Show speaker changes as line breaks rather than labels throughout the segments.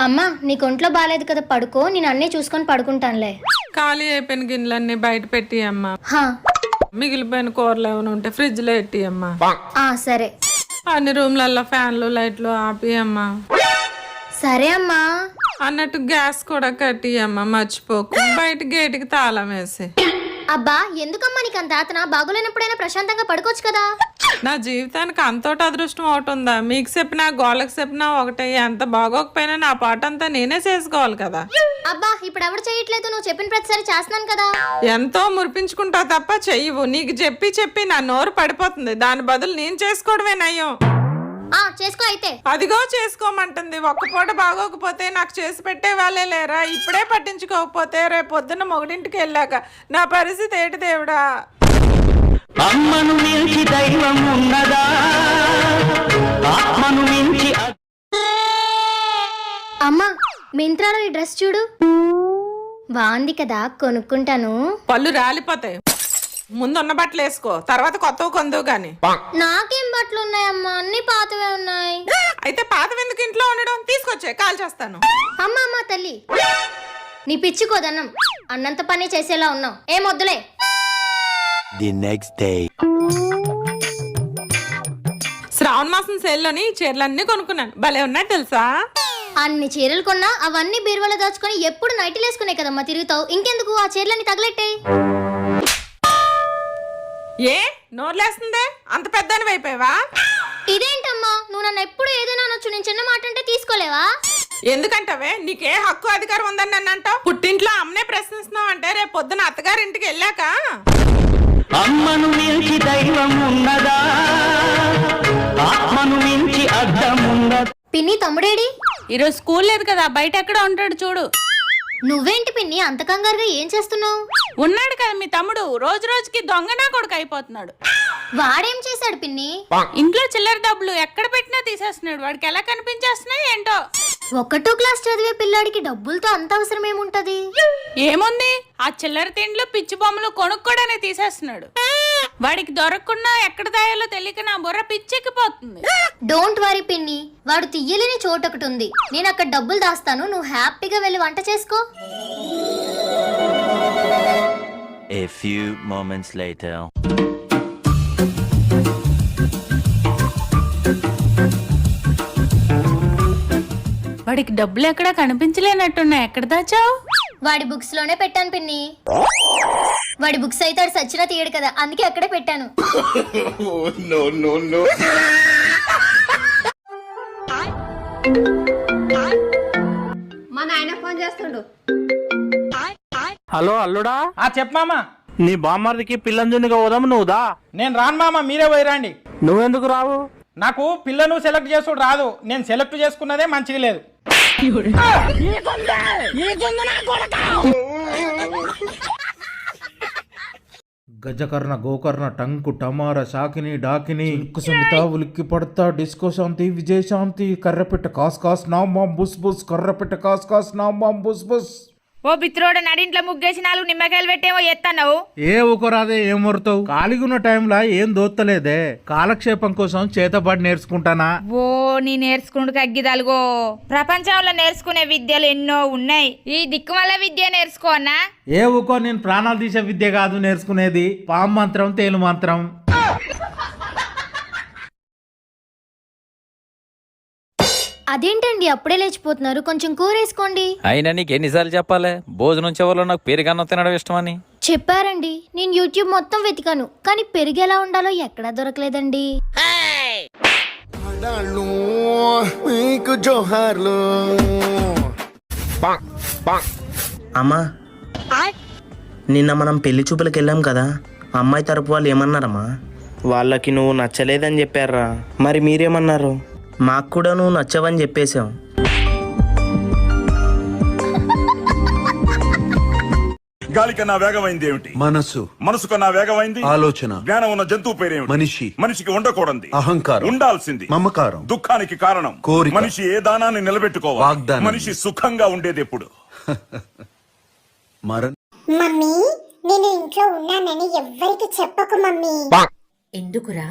అమ్మా నీకు ఒంట్లో బాగాలేదు కదా, పడుకో, నేను అన్నీ చూసుకొని పడుకుంటానులే.
ఖాళీ అయిపోయిన గిన్నెలన్నీ బయట పెట్టి అమ్మా.
హా,
మిగిలిపోయిన కూరలు ఏమైనా ఉంటే ఫ్రిడ్జ్ లో పెట్టి అమ్మా.
సరే.
అన్ని రూమ్లలో ఫ్యాన్లు లైట్లు ఆపి అమ్మా.
సరే అమ్మా.
అన్నట్టు గ్యాస్ కూడా కట్టి అమ్మా, మర్చిపోకు. బయట గేటుకి తాళం వేసి.
అబ్బా ఎందుకమ్మా నీకు అంత ఆతన? బాగోలేనప్పుడైనా ప్రశాంతంగా పడుకోవచ్చు కదా.
నా జీవితానికి అంతోటి అదృష్టం ఒకటి ఉందా? మీకు చెప్పినా గోళ్ళకి చెప్పినా ఒకటే. ఎంత బాగోకపోయినా నా పాట అంతా నేనే చేసుకోవాలి కదా.
అబ్బా ఇప్పుడు ఎవరు చేయట్లేదు, నువ్వు చెప్పిన ప్రతిసారి చేస్తున్నాను కదా.
ఎంతో మురిపించుకుంటావు తప్ప చెయ్యవు. నీకు చెప్పి చెప్పి నా నోరు పడిపోతుంది. దాని బదులు నేను చేసుకోవడమే నయం.
చేసుకో అయితే.
అదిగో చేసుకోమంటుంది. ఒక్క పూట బాగోకపోతే నాకు చేసి పెట్టే వాళ్ళే లేరా? ఇప్పుడే పట్టించుకోకపోతే రేపు పొద్దున్న మొగుడింటికి వెళ్ళాక నా పరిస్థితి ఏంటి దేవుడా?
అమ్మను మించి దైవం ఉన్నదా? ఆత్మను మించి.
అమ్మా మింత్రాలో ఈ డ్రెస్ చూడు, బాగుంది కదా, కొనుక్కుంటాను.
పళ్ళు రాలిపోతాయి. ముందున్న బట్టలు వేసుకో, తర్వాత కొత్తవి కొందువు గాని.
నాకేం బట్టలు ఉన్నాయమ్మా, అన్ని పాతవే ఉన్నాయి.
అయితే పాతవి ఎందుకు ఇంట్లో ఉండడం? తీసుకొచ్చే కాల్ చేస్తాను.
అమ్మా తల్లి, నీ పిచ్చుకోదన్నం అన్నంత పని చేసేలా ఉన్నావు. ఏం వద్దులే.
The next day.
శ్రావణ మాసం సేల్లోని చీరలన్నీ కొనుక్కున్నాను. భలే ఉన్నాయి తెలుసా?
అన్ని చీరలు కొన్నా అవన్నీ బీరువాలో దాచుకొని ఎప్పుడు నైటీలు వేసుకునే కదమ్మా తిరుగుతావు. ఇంకెందుకు ఆ చీరలన్నీ తగలెట్టే.
ఏ నోర్లేస్తుందే? అంత పెద్దని అయిపోయావా?
ఇదేంటమ్మా, నువ్వు నన్ను ఎప్పుడు ఏదైనా అనొచ్చు, నేను చిన్న మాట అంటే తీసుకోలేవా?
ఎందుకంటవే? నీకే హక్కు అధికారం ఉందని నన్ను అంటావు? పుట్టింట్లో అమ్మనే ప్రశ్నిస్తున్నావు అంటే రేపు పొద్దున అత్తగారింటికి వెళ్ళాక
అమ్మను మించి దైవం ఉన్నదా? ఆత్మను మించి అర్థం ఉన్నదా?
పిన్ని తమ్ముడేడి?
ఈరోజు స్కూల్ లేదు కదా, బయట ఎక్కడ ఉంటాడు చూడు.
నువ్వేంటి పిన్ని అంత కంగారుగా ఏం చేస్తున్నావు?
ఉన్నాడు కదా మీ తమ్ముడు, రోజు రోజుకి దొంగనా కొడుకు అయిపోతున్నాడు.
వాడేం చేశాడు పిన్ని?
ఇంట్లో చిల్లర డబ్బులు ఎక్కడ పెట్టినా తీసేస్తున్నాడు. వాడికి ఎలా కనిపించేస్తున్నాయి ఏంటో.
1వ క్లాస్ చదివే పిల్లాడికి డబ్బులతో అంత అవసరం ఏముంటది?
ఏముంది, ఆ చిల్లర తిండ్లు పిచ్చి బొమ్మలు కొనుక్కోడనే తీసేస్తున్నాడు. వాడికి దొరకకుండా ఎక్కడ దాయాలో తెలియక నా బుర్ర పిచ్చెక్కిపోతుంది.
డోంట్ వరీ పిన్ని, వాడు తీయలేని చోటు ఒకటి ఉంది. నేను అక్కడ డబ్బులు దాస్తాను, నువ్వు హ్యాపీగా వెళ్ళి వంట చేసుకో.
A few moments later.
వాడికి డబ్బులు ఎక్కడ కనిపించలేనట్టున్నాయి. ఎక్కడ దాచావు?
వాడి బుక్స్ లోనే పెట్టాను పిన్ని. వాడి బుక్స్ అయితే వాడు సచ్చినా తీయడు కదా, అందుకే అక్కడే పెట్టాను.
మా నాయన ఫోన్ చేస్తుండు.
హలో అల్లుడా.
చెప్పు మామ.
నీ బామ్మర్దికి పిల్లంజునిగా పోదాము, నువ్వు దా.
నేను రాను మామ, మీరే పోయిరండి.
నువ్వెందుకు రావు?
నాకు పిల్లను సెలెక్ట్ చేసుడు రాదు. నేను సెలెక్ట్ చేసుకున్నదే మంచిగా లేదు.
గజకర్ణ గోకర్ణ టంకు టమార శాకిని డాకిని సుమిత ఉలిక్కి పడతా డిస్కో శాంతి విజయశాంతి కర్రపెట్ట కాస్ కాస్ నా మాం బుస్ బుస్ కర్రపెట్ట కాస్ కాస్ నా మాం బుస్ బుస్.
ఓ బిత్రోడ నడింట్లో ముగ్గేసి 4 నిమ్మకాయలు పెట్టేమో ఎత్తన్నావు.
ఏ ఊకరాదే ఏం మొరుతావు? ఖాళీగున్న టైంలో ఏం దోత్తలేదే, కాలక్షేపం కోసం చేతబడి నేర్చుకుంటానా.
ఓ నీ నేర్చుకుంటూ కగ్గిదలుగో. ప్రపంచంలో నేర్చుకునే విద్యలు ఎన్నో ఉన్నాయి, ఈ దిక్కుమల్ల విద్య నేర్చుకో అన్నా.
ఏ ఊకో, నేను ప్రాణాలు తీసే విద్య కాదు నేర్చుకునేది, పాము మంత్రం తేలు మంత్రం.
అదేంటండి అప్పుడే లేచిపోతున్నారు, కొంచెం కూర వేసుకోండి.
అయినా నీకు ఎన్నిసార్లు చెప్పాలి? భోజనం చివరిలో నాకు పెరుగన్నం తినడం ఇష్టమని.
చెప్పారండి, నేను యూట్యూబ్ మొత్తం వెతికాను, కానీ పెరుగు ఎలా ఉండాలో ఎక్కడా దొరకలేదండి.
అమ్మా, నిన్న మనం పెళ్లి చూపులకు వెళ్ళాం కదా, అమ్మాయి తరపు వాళ్ళు ఏమన్నారమ్మా? వాళ్ళకి నువ్వు నచ్చలేదని చెప్పారా? మరి మీరేమన్నారు? మాకు కూడా నువ్వు నచ్చవని చెప్పేశాం.
గాలి కన్నా వేగమైంది ఏమిటి?
మనసు.
మనసు కన్నా వేగమైంది
ఆలోచన.
జ్ఞానం ఉన్న జంతువు పేరేమిటి?
మనిషి.
మనిషికి ఉండకూడదు
అహంకారం.
ఉండాల్సింది
మమకారం.
దుఃఖానికి కారణం
కోరిక.
మనిషి ఏ దానాన్ని నిలబెట్టుకోవాలి?
వాగ్దానం.
మనిషి సుఖంగా ఉండేది ఎప్పుడు?
మమ్మీ, నేను ఇంట్లో ఉన్నానని ఎవ్వరికి చెప్పకు మమ్మీ.
ఎందుకురా?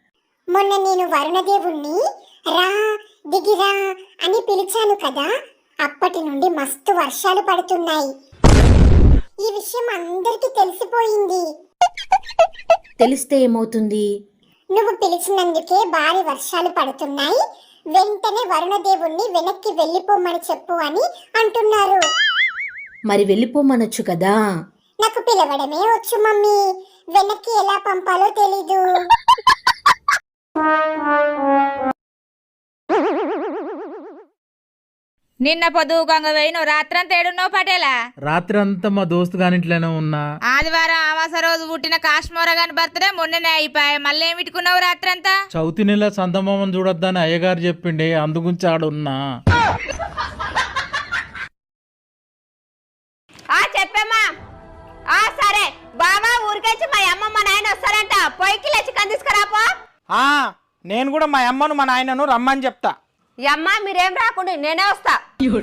మొన్న నేను వరుణదేవుణ్ణి రా దిగిరా అని పిలిచాను కదా, అప్పటి నుండి మస్తు వర్షాలు పడుతున్నాయి. ఈ విషయం అందరికీ తెలిసిపోయింది.
తెలిస్తే ఏమవుతుంది?
నువ్వు పిలిచినందుకే భారీ వర్షాలు పడుతున్నాయి, వెంటనే వరుణదేవుణ్ణి వెనక్కి వెళ్ళిపోమని చెప్పు అని అంటున్నారు.
మరి వెళ్ళిపోమనొచ్చు కదా.
నాకు పిలవడమే వచ్చు మమ్మీ, వెనక్కి ఎలా పంపాలో తెలీదు.
నిన్న పొద్దుగంగ వేయిను రాత్రంతా ఏడున్నావు పటేలా?
రాత్రి అంతా మా దోస్తు గానిట్లోనే ఉన్నా.
ఆదివారం అమాస రోజు పుట్టిన కాశ్మోర గాని బర్త్డే మొన్ననే అయిపోయి మళ్ళీ ఏం పెట్టుకున్నావు రాత్రంతా?
చౌతి నెల సందమామని చూడొద్దని అయ్యగారు చెప్పిండే, అందుగురించి ఆడున్నా.
చెప్పమ్మా. సరే బావా, ఊరికొచ్చి మా అమ్మ మా నాయన వస్తారంట, పొయ్యికి చికెన్ తీసుకురాపో.
నేను కూడా మా అమ్మను మా నాయనను రమ్మని చెప్తా.
అమ్మ మీరేం రాకుండా నేనే వస్తా.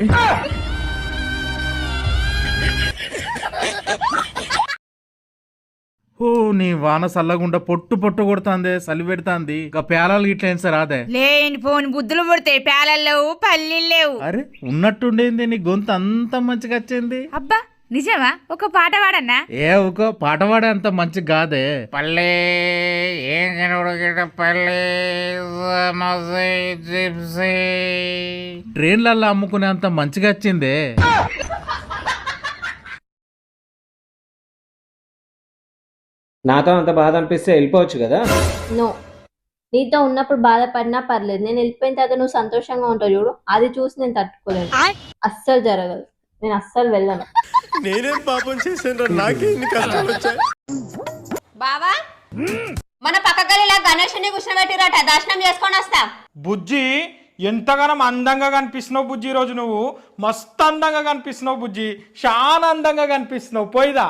ఓ నీ వాన సల్లగుండా పొట్టు పొట్టు కొడుతుంది, సలి పెడుతుంది. ఇక పేలాలు ఇట్లా ఏం సార్ అదే
లేని పోని బుద్ధులు పుడతాయి, పేలలు లేవు పల్లీలు లేవు.
అరే ఉన్నట్టుండేంది, నీ గొంతు అంత మంచిగా వచ్చింది.
అబ్బా నిజమా? ఒక పాట పాడన్నా?
ఏ ఒక పాట పాడే అంత మంచి కాదే. పల్లె ఏం పల్లె ట్రైన్లల్లో అమ్ముకునే అంత మంచిగా వచ్చిందే.
నాతో అంత బాధ అనిపిస్తే వెళ్ళిపోవచ్చు కదా.
నో, నీతో ఉన్నప్పుడు బాధపడినా పర్లేదు, నేను వెళ్ళిపోయిన తర్వాత నువ్వు సంతోషంగా ఉంటావు చూడు, అది చూసి నేను తట్టుకోలేను. అస్సలు జరగదు, నేను అస్సలు వెళ్ళను.
నేనేం పాపం చేశాను, నాకే ఇన్ని కష్టాలు వచ్చాయి.
బావా, మన పక్క గదిలో గణేషుని కూర్చోబెట్టిరట, దర్శనం చేసుకొని వస్తా.
బుజ్జి ఎంతగానో అందంగా కనిపిస్తున్నావు బుజ్జి, ఈరోజు నువ్వు మస్తు అందంగా కనిపిస్తున్నావు బుజ్జి, చాలా అందంగా కనిపిస్తున్నావు. పోయిదా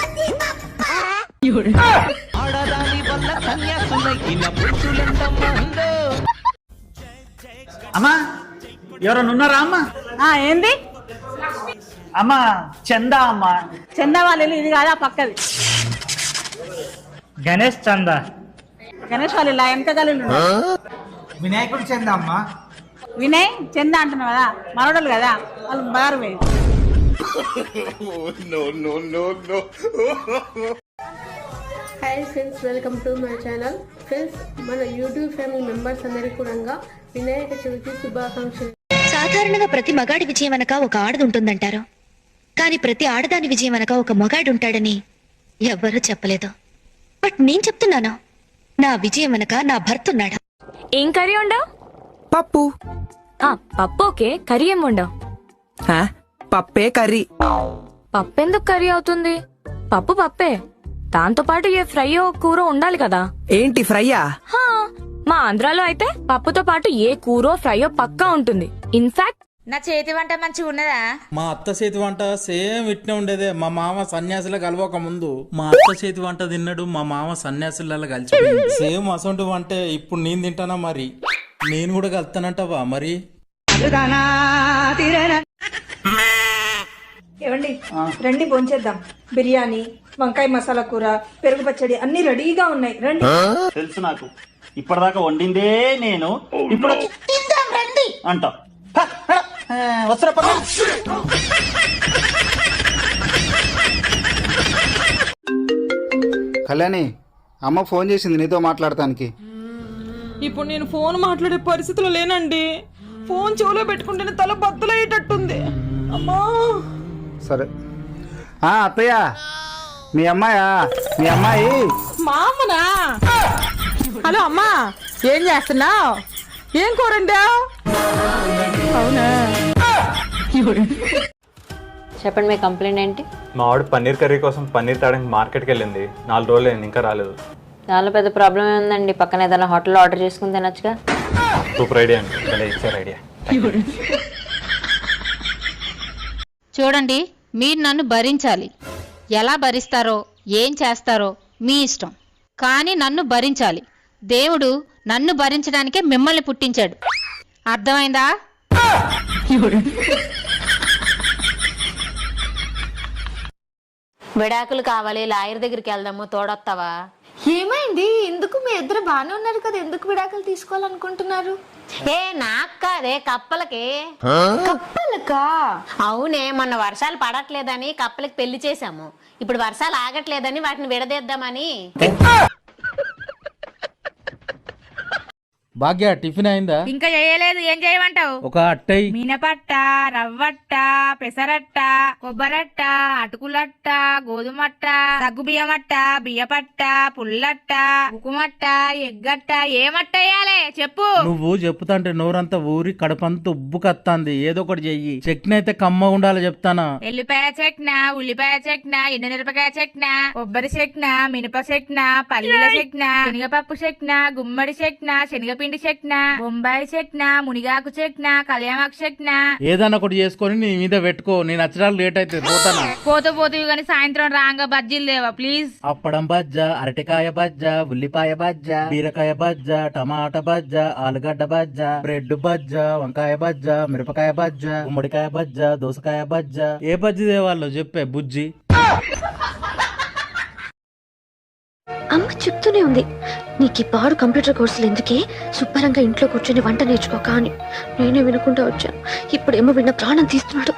అమ్మా ఎవరన్నా ఉన్నారా అమ్మా?
ఏంది
అమ్మా చందా అమ్మా.
చందా వాళ్ళు ఇది కాదా పక్కది?
గణేష్ చందా.
గణేష్ వాళ్ళు ఇలా వెనక గలు.
వినాయకుడు చందా అమ్మా.
వినయ్ చందా అంటున్నావు కదా, మనోడలు కదా వాళ్ళు బారు.
Hi friends, welcome to my channel. Friends, మన యూట్యూబ్ ఫ్యామిలీ మెంబర్స్ అందరికీ కూడా వినాయక చవితి శుభాకాంక్షలు.
సాధారణంగా ప్రతి మగాడి విజయం వెనక ఒక ఆడది ఉంటుందంటారు, కానీ ప్రతి ఆడదాని విజయం వెనక ఒక మగాడు ఉంటాడని ఎవ్వరూ చెప్పలేదు. బట్ నేను చెప్తున్నాను, నా విజయం వెనక నా భర్త ఉన్నాడు.
ఏం కర్రీ ఉండవు?
పప్పు.
పప్పు ఓకే, కర్రీ ఏం ఉండవు?
పప్పే కర్రీ.
పప్పెందుకు కర్రీ అవుతుంది? పప్పు పప్పే, దాంతో పాటు ఏ ఫ్రైయో కూర ఉండాలి కదా.
ఏంటి ఫ్రైయా?
మా ఆంధ్రాలో అయితే పప్పుతో పాటు ఏ కూరో ఫ్రైయో పక్కా ఉంటుంది. ఇన్ఫాక్ట్ నా చేతి వంట మంచిగా ఉన్నదా?
మా అత్త చేతి వంట సేమ్ ఇట్నే ఉండేదే. మా మామ సన్యాసుల కలవక ముందు మా అత్త చేతి వంట తిన్నాడు, మా మామ సన్యాసుల కలిసిపోయింది. సేమ్ అసొంటి వంటే ఇప్పుడు నేను తింటానా, మరి నేను కూడా కలుతానంటావా? మరి
ఏమండి రండి భోంచేద్దాం. బిర్యానీ, వంకాయ మసాలా కూర, పెరుగు పచ్చడి అన్ని రెడీగా ఉన్నాయి, రండి.
తెలుసు నాకు, ఇప్పటిదాకా వండిందే నేను, ఇప్పుడు రండి అంటా. వస్తున్నా పద.
కళ్యాణి, అమ్మ ఫోన్ చేసింది నీతో మాట్లాడటానికి.
ఇప్పుడు నేను ఫోన్ మాట్లాడే పరిస్థితిలో లేనండి. ఫోన్ చెవులో పెట్టుకుంటేనే తల బద్దలయ్యేటట్టుంది. అమ్మా
సరే. అత్తయ్య, మీ అమ్మాయా? మీ అమ్మాయి
మా అమ్మనా? హలో అమ్మా, ఏం చేస్తున్నావు? ఏం కూరండా? అవునా?
చెప్పండి, మీ కంప్లైంట్ ఏంటి?
మా ఆవిడ పన్నీర్ కర్రీ కోసం పన్నీర్ తేడానికి మార్కెట్కి వెళ్ళింది. 4 రోజులు అయింది, ఇంకా రాలేదు.
చాలా పెద్ద ప్రాబ్లం ఏముందండి, పక్కన ఏదైనా హోటల్లో ఆర్డర్ చేసుకుని తినొచ్చుగా.
సూపర్ ఐడియా అండి, భలే ఇచ్చారు ఐడియా.
చూడండి, మీరు నన్ను భరించాలి. ఎలా భరిస్తారో ఏం చేస్తారో మీ ఇష్టం, కానీ నన్ను భరించాలి. దేవుడు నన్ను భరించడానికే మిమ్మల్ని పుట్టించాడు, అర్థమైందా?
విడాకులు కావాలి, లాయర్ దగ్గరికి వెళ్దాము, తోడొస్తావా? ఏమైంది? ఎందుకు మీ ఇద్దరు బాగానే ఉన్నారు కదా, ఎందుకు విడాకులు తీసుకోవాలనుకుంటున్నారు?
ఏ నాకు కాదే, కప్పలకి.
కప్పలకా?
అవునే, మొన్న వర్షాలు పడట్లేదని కప్పలకి పెళ్లి చేశాము. ఇప్పుడు వర్షాలు ఆగట్లేదని వాటిని విడదీద్దామని.
భాగ్య టిఫిన్ అయిందా?
ఇంకా చేయలేదు. ఏం చేయమంటావు?
ఒక అట్టై,
మినపట్ట, రవ్వట్ట, పెసరట్ట, కొబ్బరట్ట, అటుకులట్ట, గోధుమట్ట, సగ్గుబియ్యమట్ట, బియ్యపట్ట, పుల్లట్ట, ఉకుమట్ట, ఎగ్గట్ట. ఏమట్ట వేయాలి చెప్పు.
నువ్వు చెప్తాంటే నోరంతా ఊరి కడపంతా ఉబ్బు కత్తాంది. ఏదో ఒకటి చెయ్యి. చట్నీ అయితే కమ్మ ఉండాలి చెప్తానా.
ఎల్లిపాయ చెట్న, ఉల్లిపాయ చెట్న, ఎండుమిరపకాయ చెట్న, కొబ్బరి చెట్న, మినప చెట్న, పల్లీల చెట్న, శనగపప్పు చెట్న, గుమ్మడి చెట్న, శనగపిండి చెట్న, బొంబాయి చెట్న, మునిగాకు చెట్న, కళ్యామాకు చెట్న.
ఏదన్నా ఒకటి చేసుకొని నీ మీద పెట్టుకో. నేను నచ్చడానికి లేట్ అయితే పోతానా.
పోతూ గాని సాయంత్రం రాంగా బజ్జీలు లేవా ప్లీజ్?
అప్పడం బజ్జ, అరటికాయ బజ్జ, ఉల్లిపాయ బజ్జ, బీరకాయ బజ్జ, టమాటా బజ్జ, ఆలుగడ్డ బజ్జ, బ్రెడ్ బజ్జ, వంకాయ బజ్జ, మిరపకాయ బజ్జ, గుమ్మడికాయ బజ్జ, దోసకాయ బజ్జ. ఏ బజ్జి దేవాలో చెప్పే బుజ్జి.
అమ్మ చెప్తూనే ఉంది, నీకు ఈ పాడు కంప్యూటర్ కోర్సులు ఎందుకే, శుభ్రంగా ఇంట్లో కూర్చొని వంట నేర్చుకోక అని. నేనే వినకుండా వచ్చాను. ఇప్పుడేమో విన్న ప్రాణం తీస్తున్నాడు.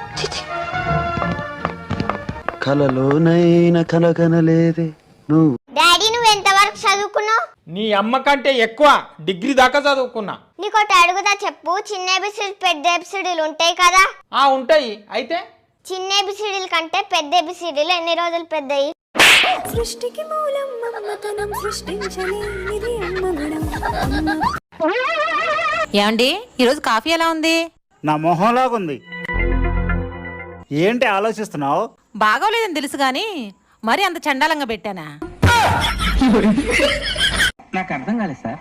కలలోనైనా కలగనలేదే నువ్వు.
డాడీ నువ్వు ఎంతవరకు చదువుకున్నావు?
నీ అమ్మ కంటే ఎక్కువ డిగ్రీ దాకా చదువుకున్నా.
నీకోటి అడుగుదా చెప్పు. చిన్న ఎబిసిడీలు పెద్ద ఎబిసిడీలు ఉంటాయి కదా.
ఉంటాయి. అయితే
చిన్న ఎబిసిడీల కంటే పెద్ద ఎబిసిడీలు ఎన్ని రోజులు పెద్దయి? సృష్టికి మూలం మమతనం సృష్టించలేనిది అమ్మగుణం.
ఏమండి, ఈరోజు కాఫీ ఎలా ఉంది?
నా మొహంలాగుంది. ఏంటి ఆలోచిస్తున్నావు?
బాగోలేదని తెలుసు గాని మరి అంత చండాలంగా పెట్టానా?
నాకు అర్థం కాలేదు సార్.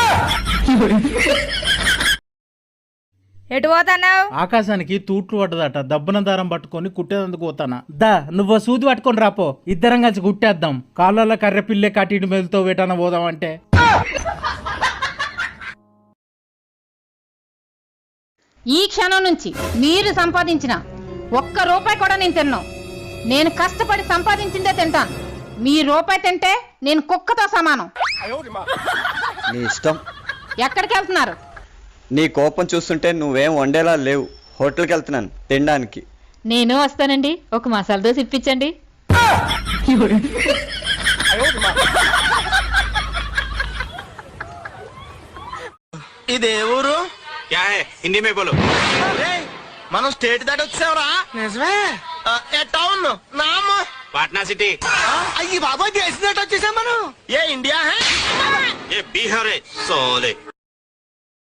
ఎటు పోతున్నావు?
ఆకాశానికి తూట్లు పడ్డదట. దబ్బన దారం పట్టుకొని కుట్టేందుకు పోతానా. దా నువ్వు సూది పట్టుకొని రాపో, ఇద్దరం కలిసి కుట్టేద్దాం. కాళ్ళ కర్రె పిల్లే కట్టి మెలుతో వేటాన పోదాం అంటే.
ఈ క్షణం నుంచి మీరు సంపాదించిన ఒక్క రూపాయి కూడా నేను తిన్నాను. నేను కష్టపడి సంపాదించిందే తింటాను. మీ రూపాయి తింటే నేను కుక్కతో సమానం.
నీ ఇష్టం.
ఎక్కడికి వెళ్తున్నారు?
నీ కోపం చూస్తుంటే నువ్వేం వండేలా లేవు. హోటల్కి వెళ్తున్నాను తినడానికి.
నేను వస్తానండి. ఒక మసాలా దోశ ఇప్పించండి.
ఇదే ఊరు? హిందీ మే బోలో. మనం స్టేట్ దాటి వచ్చావురా. నిజమే. టౌన్ నామ్ పాట్నా సిటీ. అయ్యి బాబా దేశం దాటి వచ్చేసాం మనం. ఏ ఇండియా హై? ఏ బీహార్. సోలే